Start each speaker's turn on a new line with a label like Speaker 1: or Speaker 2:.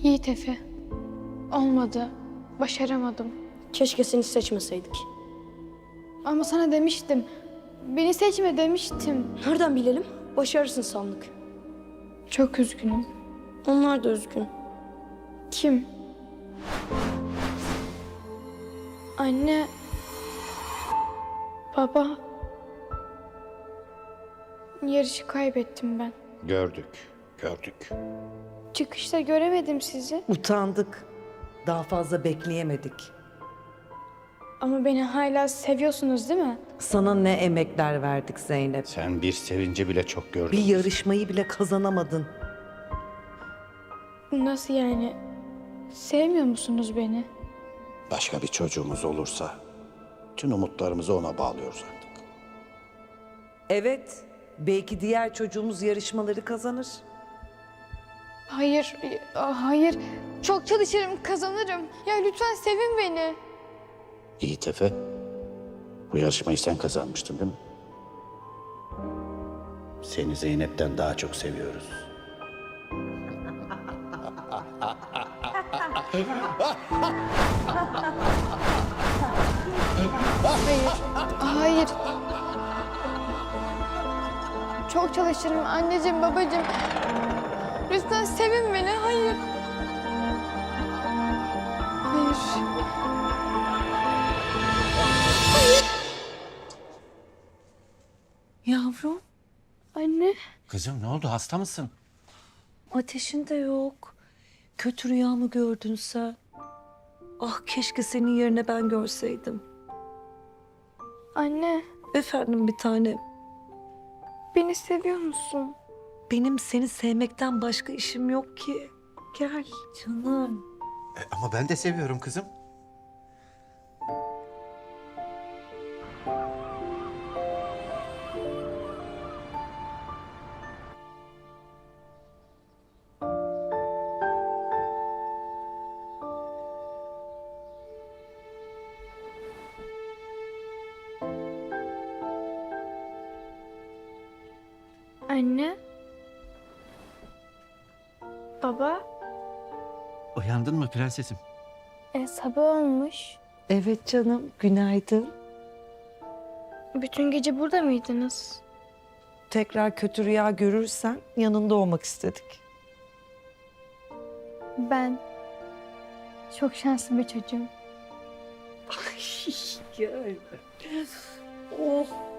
Speaker 1: Yiğit Efe. Olmadı. Başaramadım.
Speaker 2: Keşke seni seçmeseydik.
Speaker 1: Ama sana demiştim. Beni seçme demiştim.
Speaker 2: Nereden bilelim? Başarısın sandık.
Speaker 1: Çok üzgünüm.
Speaker 2: Onlar da üzgün.
Speaker 1: Kim? Anne. Baba. Yarışı kaybettim ben.
Speaker 3: Gördük.
Speaker 1: Çıkışta göremedim sizi.
Speaker 4: Utandık. Daha fazla bekleyemedik.
Speaker 1: Ama beni hala seviyorsunuz değil mi?
Speaker 4: Sana ne emekler verdik Zeynep.
Speaker 3: Sen bir sevinci bile çok gördün.
Speaker 4: Bir yarışmayı bile kazanamadın.
Speaker 1: Nasıl yani? Sevmiyor musunuz beni?
Speaker 3: Başka bir çocuğumuz olursa tüm umutlarımızı ona bağlıyoruz artık.
Speaker 4: Evet, belki diğer çocuğumuz yarışmaları kazanır.
Speaker 1: Hayır, hayır. Çok çalışırım, kazanırım. Ya lütfen sevin beni.
Speaker 3: Yiğit Efe, bu yarışmayı sen kazanmıştın değil mi? Seni Zeynep'ten daha çok seviyoruz.
Speaker 1: Hayır, hayır. Çok çalışırım anneciğim, babacığım. Lütfen sevin beni, hayır. Hayır.
Speaker 5: Yavrum,
Speaker 1: Anne,
Speaker 6: Kızım ne oldu? Hasta mısın?
Speaker 5: ateşin de yok. Kötü rüya mı gördün sen? Ah keşke senin yerine ben görseydim.
Speaker 1: anne.
Speaker 5: Efendim bir tanem,
Speaker 1: Beni seviyor musun?
Speaker 5: benim seni sevmekten başka işim yok ki. Gel canım.
Speaker 6: Ama ben de seviyorum kızım.
Speaker 1: Anne. Baba.
Speaker 6: Uyandın mı prensesim?
Speaker 1: Sabah olmuş.
Speaker 5: Evet canım, günaydın.
Speaker 1: Bütün gece burada mıydınız?
Speaker 5: Tekrar kötü rüya görürsen yanında olmak istedik.
Speaker 1: Ben çok şanslı bir çocuğum.
Speaker 5: Gel. Oh.